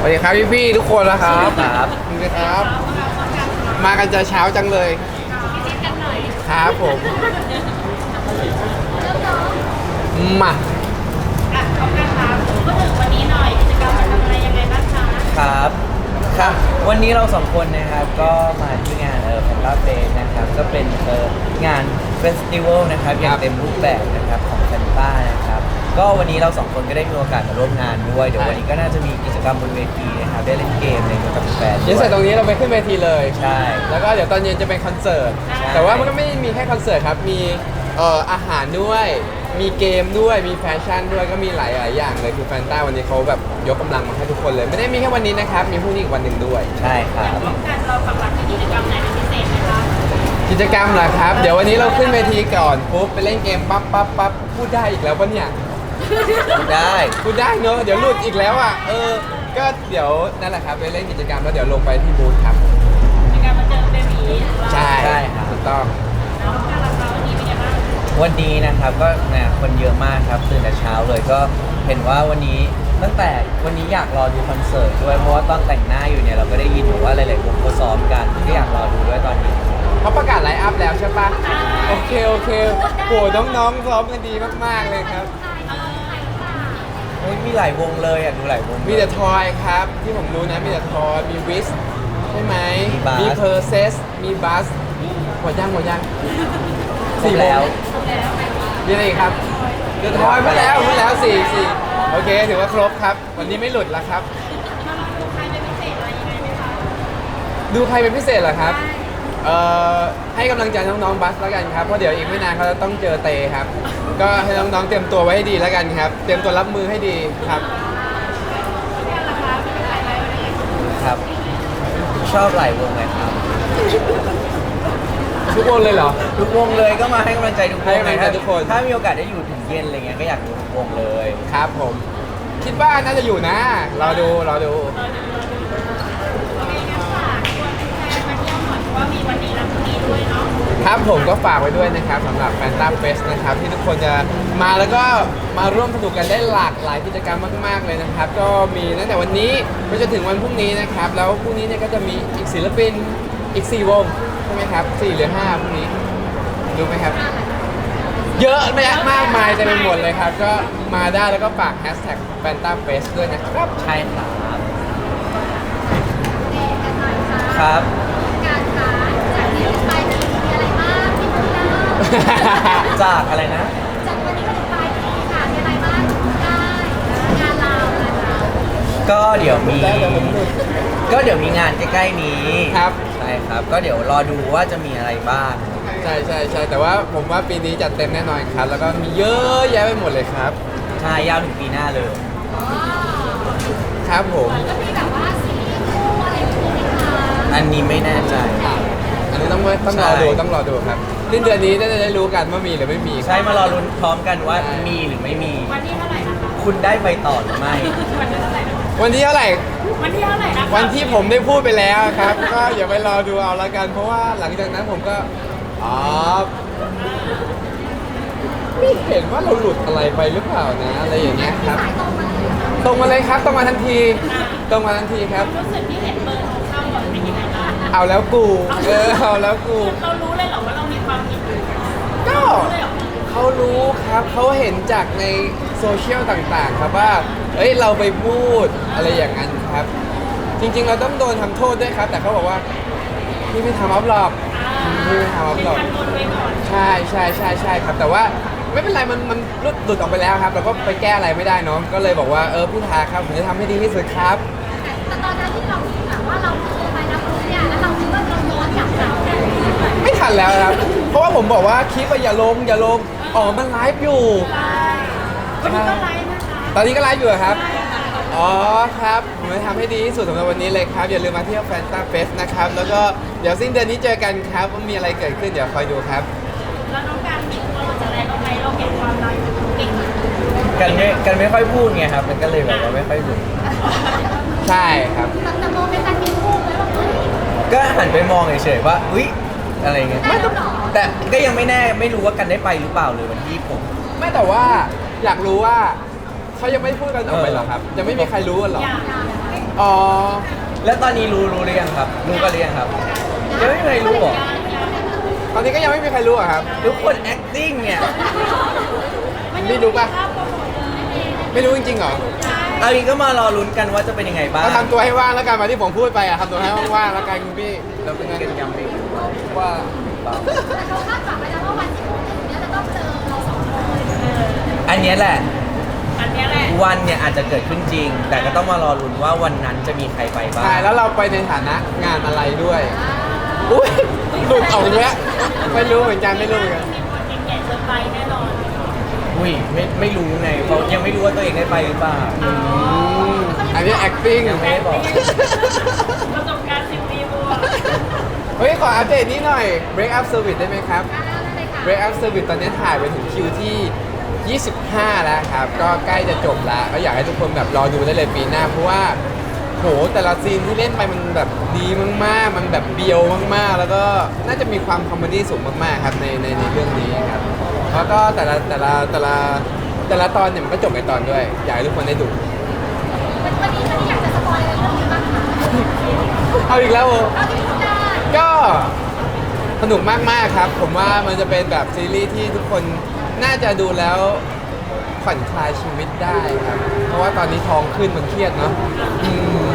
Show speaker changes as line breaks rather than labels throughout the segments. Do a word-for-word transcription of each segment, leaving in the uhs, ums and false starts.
ดีครับพี่พี่ๆทุกคนนะครับ
ครับ
สวัสดีครับ มากันจะเช้าจังเลยครับผมมา
ครับครับวันนี้เราสองคนนะครับก็มาที่งานเออแฟนตาเฟสนะครับก็เป็นเอองานเฟสติวัลนะครับอย่างเต็มรูปแบบนะครับของแฟนตานะครับก็วันนี้เราสองคนก็ได้มีโอกาสมาร่วมงานด้วยเดี๋ยววันนี้ก็น่าจะมีกิจกรรมบนเวทีนะครับได้เล่นเกมอะไรกับแฟนๆ
เดี๋ยวเสร็จตรงนี้เราไปขึ้นเวทีเลย
ใช่
แล้วก็เดี๋ยวตอนเย็นจะเป็นคอนเสิร์ต
ใช่
แต่ว่ามันก็ไม่ได้มีแค่คอนเสิร์ตครับ มีเอ่ออาหารด้วย มีเกมด้วย มีแฟชั่นด้วย ก็มีหลายหลายอย่างเลยคือแฟนต้าวันนี้เขาแบบยกกำลังมาให้ทุกคนเลย ไม่ได้มีแค่วันนี้นะครับ มีพรุ่งนี้อีกวันหนึ่งด้วย
ใช่ครับ
กิจกรรมเหรอครับ เดี๋ยววันนี้เราขึ้นเวทีก่อนปุ๊บไปเล่นเกมปั๊บปั๊บปั๊บพูดได้อีกแล้วปะเนี่ย
ได้
พูดได้เนอะเดี๋ยวหลุดอีกแล้วอ่ะ เออ ก็เดี๋ยวนั่นแหละครับไปเล่นกิจกรรมแล้วเดี๋ยวลงไปที่บูธครับ ใช่
ใช่ครับ
ถูกต้อง
วันนี้นะครับก็เนี่ยคนเยอะมากครับตื่นแต่เช้าเลยก็เห็นว่าวันนี้ตั้งแต่วันนี้อยากรอดูคอนเสิร์ตด้วยเพราะว่าตอนแต่งหน้าอยู่เนี่ยเราก็ได้ยินว่าหลายๆวงเขาซ้อมกันก็อยากรอดูด้วยตอนนี้
เขาประกาศไลฟ์อัพแล้วใช่ปะโอเค โอเคโหน้องๆซ้อมกันดีมาก ๆ เลยครับ
โอ้ยมีหลายวงเลยอ่ะดูหลายวง
มีแต่ทอยครับ ที่ผมรู้นะ มีแต่ทอย มีวิสใช่ไหม
มี Buzz
มีเพอร์เซส มีบัสหมดยังหมดยัง
ครบแล้ว
มีอะไรอีกครับเดอะทอยมาแล้วมาแล้วสี่สี่โอเค ถือว่าครบครับ วันนี้ไม่หลุดแล้วครับ ดูใครเป็นพิเศษเหรอครับ เอ่อ ให้กำลังใจน้องๆบัสแล้วกันครับ เพราะเดี๋ยวอีกไม่นานเขาจะต้องเจอเตครับ ก็ให้น้องๆเตรียมตัวไว้ให้ดีแล้วกันครับ เตรียมตัวรับมือให้ดีครับ
ครับ ชอบหลายวงเลยครับ
ทุกคนเลยเหรอ
ทุกวงเลยก็มาให้กำลังใจทุกว
ให้
ง
กำลังใจทุกคน
ถ้ามีโอกาสได้อยู่ถึงเย็นอะไรเงี้ยก็อยากดูทุกวงเลย
ครับผม คิดว่าน่าจะอยู่นะ รอดู รอดู ครับผมก็ฝากไว้ด้วยนะครับสำหรับแฟนตาเฟสนะครับที่ทุกคนจะมาแล้วก็มาร่วมสนุกกันได้หลากหลายกิจกรรมมากๆเลยนะครับ ก็มีตั้งแต่วันนี้ไปจนถึงวันพรุ่งนี้นะครับ แล้วพรุ่งนี้เนี่ยก็จะมีอีกศิลปินอีกสี่วงใช่ไหมครับสี่หรือห้าพรุ่งนี้รู้ไหมครับ เยอะแยะมากมายเต็มไปหมดเลยครับ ก็มาได้แล้วก็ฝากแฮชแท็กแฟนตาเฟสด้วยนะครับ
ใช่ครับครับ จากอะไรนะ ก็เดี๋ยวมี ก็เดี๋ยวมีงานใกล้ๆนี้
ครับ
ใช่ครับ ก็เดี๋ยวรอดูว่าจะมีอะไรบ้าง
ใช่ใช่ใช่แต่ว่าผมว่าปีนี้จัดเต็มแน่นอนครับ แล้วก็มีเยอะแยะไปหมดเลยครับ
ใช่ยาวถึงปีหน้าเลย
ครับผม
อันนี้ไม่แน่ใจ
อันนี้ต้องต้องรอดูต้องรอดูครับสิ้นเดือนนี้น่าจะได้รู้กันว่ามีหรือไม่มีค
ใช่
รับ
มารอลุ้นพร้อมกันว่า
ใช่
มีหรือไม่มี คุณได้ไปต่อหรือไม่
วันที่เท่าไหร่
วันที่เท่าไหร่นะ
วันที่ผมได้พูดไปแล้วครับ ก็อย่าไปรอดูเอาละกัน เพราะว่าหลังจากนั้นผมก็อ๋อไม่เห็นว่าเราหลุดอะไรไปหรือเปล่านะอะไรอย่างเงี้ยครับ ตรงมาเลยครับตรงมาทันทีตรงมาทันทีครับ
รู้สึกที่เห็นเบอร์โทรเข้าก่อนเป็นยังไงบ้าง
เอาแล้วกูเออเอาแล้วกู
เรารู้เลยเหรอว่าเรามีความผิด
ก็
รู้เลยเหรอ
เขารู้ครับเขาเห็นจากในโซเชียลต่างๆ ครับว่าเอ้ยเราไปพูดอะไรอย่างนั้นครับ จริงๆเราต้องโดนทำโทษด้วยครับ แต่เขาบอกว่าพี่ไม่ทำอัพหรอกพี่ไม่ทำอัพหรอก
ทันบนไว้ก่อน
ใช่ใช่ใช่ใช่ครับ แต่ว่าไม่เป็นไรมันมันหลุดหลุดออกไปแล้วครับเราก็ไปแก้อะไรไม่ได้เนาะก็เลยบอกว่าเออพี่ทาครับผมจะทำให้ดีที่สุดครับ
แต่ตอนนั้นที่เราคิดแบบว่าเราคือไปรับรู้เนี่ยแล้วเราคิดว่าเราย้อนกลับกลับได้ไหม
ไม่ทันแล้วครับ เพราะว่าผมบอกว่าคลิปอะอย่าลงอย่าลงอ๋อมันไลฟ์อยู่
วันนี้ก็ไลฟ์นะคะ
ตอนนี้ก็ไลฟ์อยู่เหรอครับ อ๋อครับผมจะทำให้ดีที่สุดสำหรับวันนี้เลยครับ อย่าลืมมาเที่ยวแฟนตาเฟสนะครับ แล้วก็เดี๋ยวสิ้นเดือนนี้เจอกันครับว่ามีอะไรเกิดขึ้นเดี๋ยวคอยดูครับ
แล้วน้องการมีตัวเราจะแรงเอาไปเราเก็บความรักเก่งมาก
กันไม่กันไม่ค่อยพูดไงครับ มันก็เลยแบบว่าไม่ค่อยรู้
ใช่ครับ
แต่แต่โมเป็นการมีคู่ไหมว่าเฮ้ย
ก็หันไปมองเฉยๆว่าอุ๊ยอะไรเงี้ย
ได้แล้วเหรอ
แต่ก็ยังไม่แน่ไม่รู้ว่ากันได้ไปหรือเปล่าเลยวันที่ผม
ไม่แต่ว่าอยากรู้ว่าทเขายังไม่พูดกันออกไปเหรอครับยังไม่มีใครรู้กันเหรอ
อยาก
อ๋อ
แล้วตอนนี้รู้รู้หรือยังครับ รู้กันหรือยังครับยังไม่มีใครรู้หรอ
ตอนนี้ก็ยังไม่มีใครรู้อะครับ
ทุกคน acting เนี่ย
ไม่รู้ป่ะไม่รู้จริงๆเหรอ
เอาอีกก็มารอลุ้นกันว่าจะเป็นยังไงบ้าง
ก็ทำตัวให้ว่างแล้วกันมาที่ผมพูดไปอะทำตัวให้ว่างๆแล้วกันคุณพี่เราเป็นไงกันยังไม่ว่า
แต่เขาคาดหวังไว้แล้วว่าวันที่เขาถึงเนี่ยจะต้องเจอเราสองคน
อันเนี้ยแหละ
อันเนี้ยแหละ
วันเนี่ยอาจจะเกิดขึ้นจริง แต่ก็ต้องมารอลุ้นว่าวันนั้นจะมีใครไปบ้าง
ใช่แล้วเราไปในฐานะงานอะไรด้วยอุ้ยหลุดออกเนี้ยไม่รู้เหมือนกันไม่รู้เหมือนกัน
มีคนเก่งๆเชิญไปแน่นอน
อุ้ยไม่ไม่รู้ไงเขายังไม่รู้ว่าตัวเองได้ไปหรือเปล่า
อืมอันนี้ acting
ยังไม่ได้บอก
ประสบการณ์สิบปีบวก
เฮ้ยขออัปเดตนี้หน่อย break up service ได้ไหมครับ
อ่านั่นเลยค่ะ
break up service ตอนนี้ถ่ายไปถึงคิวที่ ยี่สิบห้า แล้วครับ ก็ใกล้จะจบแล้วก็อยากให้ทุกคนแบบรอดูได้เลยปีหน้า เพราะว่าโหแต่ละซีนที่เล่นไปมันแบบดีมากๆ มันแบบเบียวมากๆ แล้วก็น่าจะมีความคอมเมดี้สูงมากๆครับในในในเรื่องนี้ครับแล้วก็แต่ละแต่ละแต่ละแต่ละตอนเนี่ยมันก็จบในตอนด้วย อยากให้ทุกคนได้ดู
วันวันนี้วันนี้อยากจะสปอยอะไรเรื่องนี้บ้างคะ
เอาอีกแล้วเหรอ
เอาที่พูดได้
ก็สนุกมาก ๆ ครับ ผมว่ามันจะเป็นแบบซีรีส์ที่ทุกคนน่าจะดูแล้วผ่อนคลายชีวิตได้ครับ เพราะว่าตอนนี้ท้องขึ้นมันเครียดเนาะอืม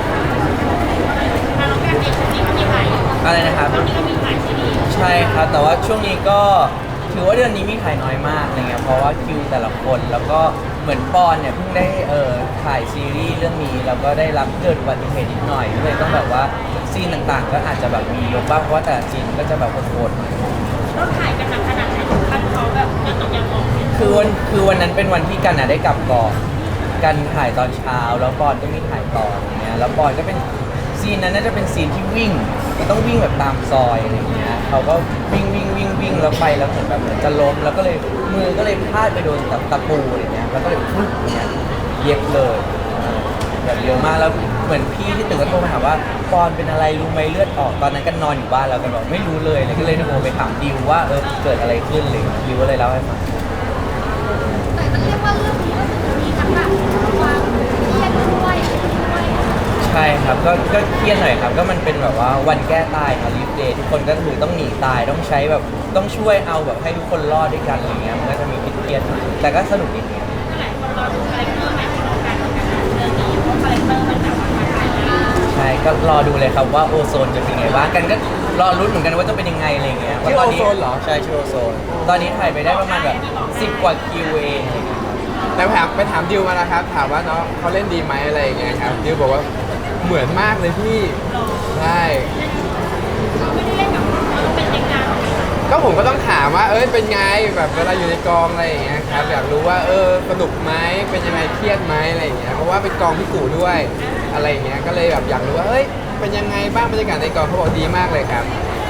ทางน้องแก้มเองจริงๆก็มีถ่ายอยู่
อะไรนะครับ
ตอนนี้ก็มีถ่ายซีรีส์
ใช่ครับ แต่ว่าช่วงนี้ก็ถือว่าเดือนนี้มีถ่ายน้อยมากอะไรเงี้ยเพราะว่าคิวแต่ละคนแล้วก็เหมือนปอนเนี่ยเพิ่งได้เอ่อถ่ายซีรีส์เรื่องนี้แล้วก็ได้รับเกิดอุบัติเหตุนิดหน่อยก็เลยต้องแบบว่าซีนต่างๆ ก็อาจจะแบบมียกบ้างเพราะว่าแต่ละซีนก็จะแบบโหดๆหน่อย
ต้องถ่ายกันหนักขนาดไหนถึงขั้นเขาแบบเลือดตกยางออกเนี่ย
คือวันคือวันนั้นเป็นวันที่กันอะได้กลับก่อนกันถ่ายตอนเช้าแล้วปอนก็มีถ่ายต่ออย่างเงี้ยแล้วปอนก็เป็นซีนนั้นน่าจะเป็นซีนที่วิ่งต้องวิ่งแบบตามซอยอะไรเงี้ยเขาก็วิ่งวิ่งวิ่งวิ่งแล้วไปแล้วเหมือนแบบเหมือนจะล้มแล้วก็เลยมือก็เลยพลาดไปโดนตะตะปูอะไรเงี้ยแล้วก็เลยฟึ๊บอย่างเงี้ยเย็บเลยแบบเยอะมากแล้วเหมือนพี่ที่ตึกก็โทรมาถามว่าปอนเป็นอะไรรู้ไหมเลือดออกตอนนั้นก็นอนอยู่บ้านแล้วกันบอกไม่รู้เลยเลยก็เลยโทรไปถามดิวว่าเออเกิดอะไรขึ้นเลยดิวก็เลยเล่าให้ฟัง
แต่มันเรียกว่าเรื่องนี้ก็คือมีทั้งแบบความเครียดด้วยด้วย
ใช่ครับก็ก็เครียดหน่อยครับก็มันเป็นแบบว่าวันแก้ตายค่ะลีฟเดย์ทุกคนก็คือต้องหนีตายต้องใช้แบบต้องช่วยเอาแบบให้ทุกคนรอดด้วยกันอะไรเงี้ยมันก็จะมีเครียดๆหน่อยแต่ก็สนุกดีครับ
หลายคนรอดูคาแรคเตอร์ใหม่ของน้องกันเหมือนกันนะเรื่องนี้เพราะคาแรคเตอร์มันแบบว่าท้าทายมาก
ใช่ก็รอดูเลยครับว่าโอโซนจะเป็นไงบ้างกันก็รอรุ้นเหมือนกันว่าจะเป็นยังไงอะไรเงี้ย
ชื่อ
ว่าต
โอโซนเหรอ
ใช่ชื่อโอโซนตอนนี้ถ่ายไปได้ประมาณแบบสิบกว่าคิวเองอะไรเงี้ยครับ
แต่ถามไปถามดิวมานะครับ ถามว่าน้องเขาเล่นดีไหมอะไรอย่างเงี้ยครับดิวบอกว่าเหมือนมากเลยพี่ใช่
เราไม่ได้เล่นกับคนเราต้องเป็นเด็กงาน
ก็ผมก็ต้องถามว่าเอ้ยเป็นไงแบบเวลาอยู่ในกองอะไรอย่างเงี้ยครับอยากรู้ว่าเออสนุกไหมเป็นยังไงเครียดไหมอะไรอย่างเงี้ยเพราะว่าเป็นกองพี่กูด้วยอะไรอย่างเงี้ยก็เลยแบบอยากรู้ว่าเอ้ยเป็นยังไงบ้างบรรยากาศในกองเขาบอกดีมากเลยครับ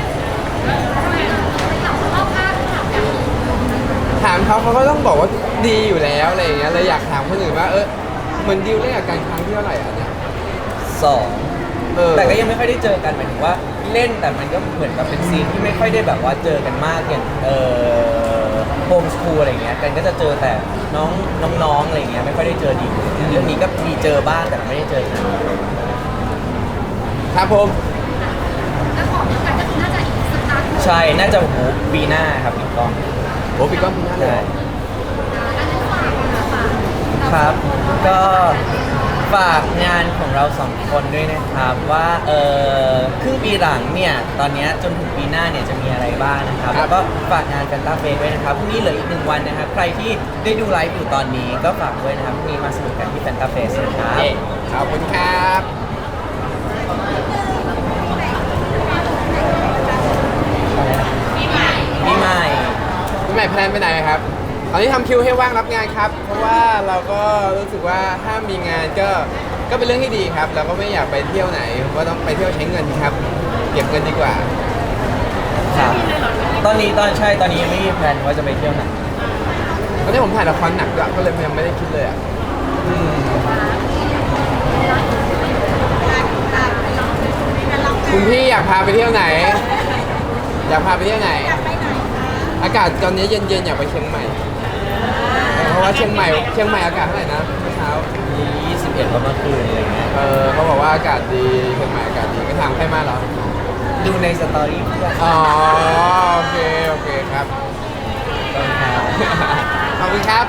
เราข้างถามกัน
ถามเขาเขาก็ต้องบอกว่าดีอยู่แล้วอะไรอย่างเงี้ยเลยอยากถามคนอื่นว่าเออเหมือนดิวเล่นกับการครั้งที่เท่าไหร่อ่ะเนี่ย
สอง
เออ
แต่ก็ยังไม่ค่อยได้เจอกันหมายถึงว่าเล่นแต่มันก็เหมือนกับเป็นซีนที่ไม่ค่อยได้แบบว่าเจอกันมากอย่างเอ่อโฮมสคูลอะไรเงี้ยกันก็จะเจอแต่น้องน้องๆอะไรเงี้ยไม่ค่อยได้เจอดีเรื่องนี้ก็มีเจอบ้างแต่ไม่ได้เจอกัน
ครับผม
แล้วของเดียวกันก็คือน่าจะอีกสักพัก
ใช่น่าจะโหปีหน้าครับพี่ก้อง
โอ้พี่ก้องพี่น่าเลย
ใช่
อันนั้นฝากนะคะ
ครับก็ฝากงานของเราสองคนด้วยนะครับว่าเออครึ่งปีหลังเนี่ยตอนเนี้ยจนถึงปีหน้าเนี่ยจะมีอะไรบ้างนะครับแล้วก็ฝากงานแฟนตาเฟสด้วยนะครับพรุ่งนี้เหลืออีกหนึ่งวันนะครับใครที่ได้ดูไลฟ์อยู่ตอนนี้ก็ฝากด้วยนะครับพรุ่งนี้มาสนุกกันที่แฟนตาเฟสนะครับ
เย้ขอบคุณครับ
ปีใหม่
ปีใหม่
พี่ใหม่แพลนไปไหนครับตอนนี้ทำคิวให้ว่างรับงานครับ เพราะว่าเราก็รู้สึกว่าถ้ามีงานก็ก็เป็นเรื่องที่ดีครับ เราก็ไม่อยากไปเที่ยวไหนก็ต้องไปเที่ยวใช้เงินครับ เก็บเงินดีกว่า
ครับตอนนี้ตอนใช่ตอนนี้ยังไม่มีแพลนว่าจะไปเที่ยวไหน
ตอนนี้ผมถ่ายละครหนักด้วยก็เลยยังไม่ได้คิดเลยอ่ะอืมคุณพี่อยากพาไปเที่ยวไหน อยากพาไปเที่ยวไหน อากาศตอนนี้เย็นๆอยากไปเชียงใหม่เพราะราะว่าเชียงใหม่เชียงใหม่อากาศเท่าไหร่นะเมื่อเช้า
ยี่สิบเอ็ดแล้วเมื่อคืนอะไรเงี้ย
เออเขาบอกว่าอากาศดีเชียงใหม่อากาศดีก็ทางใครมาเหรอ
ดูในสตอรี่เพื่อน
อ๋อโอเคโอเคครับ
ตอนเช้า
ขอบคุณครับ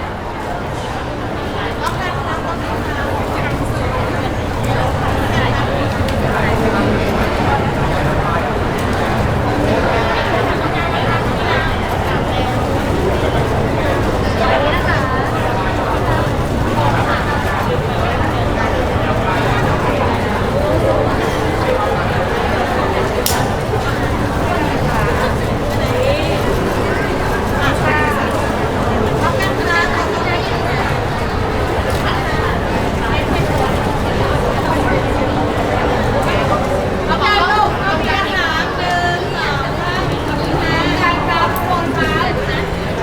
เอาไปลูกเอาไปอาหารหนึ่งสองสามการรับวงฟ้านะ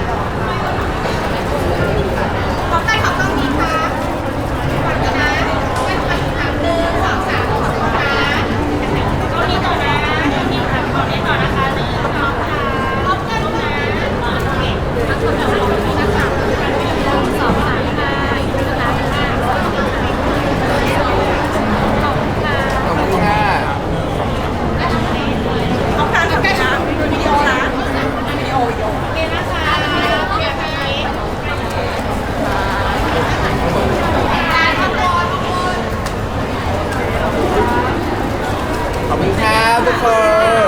ขอใครขอต้องมีค่ะก่อนนะไม่ขอถามหนึ่งสองสามขอบคุณค่ะ
ก็มีต่อนะมีค่ะขอเล่นต่อนะคะหนึ่งสองสาม
พร้อมกันนะ
โอเค
ขอบคุณค่ะขอบคุณนะคะหนึ่งสองสามค่ะอีกทีนะคะค่ะขอบคุณค่ะ
ขอบคุณค่ะ
เอาการกับการนะวิดีโอนะวิดีโอวิดีโอโอเคนะคะโอเคค่ะการทำบอลทุกคน
ขอบคุณครับทุกคน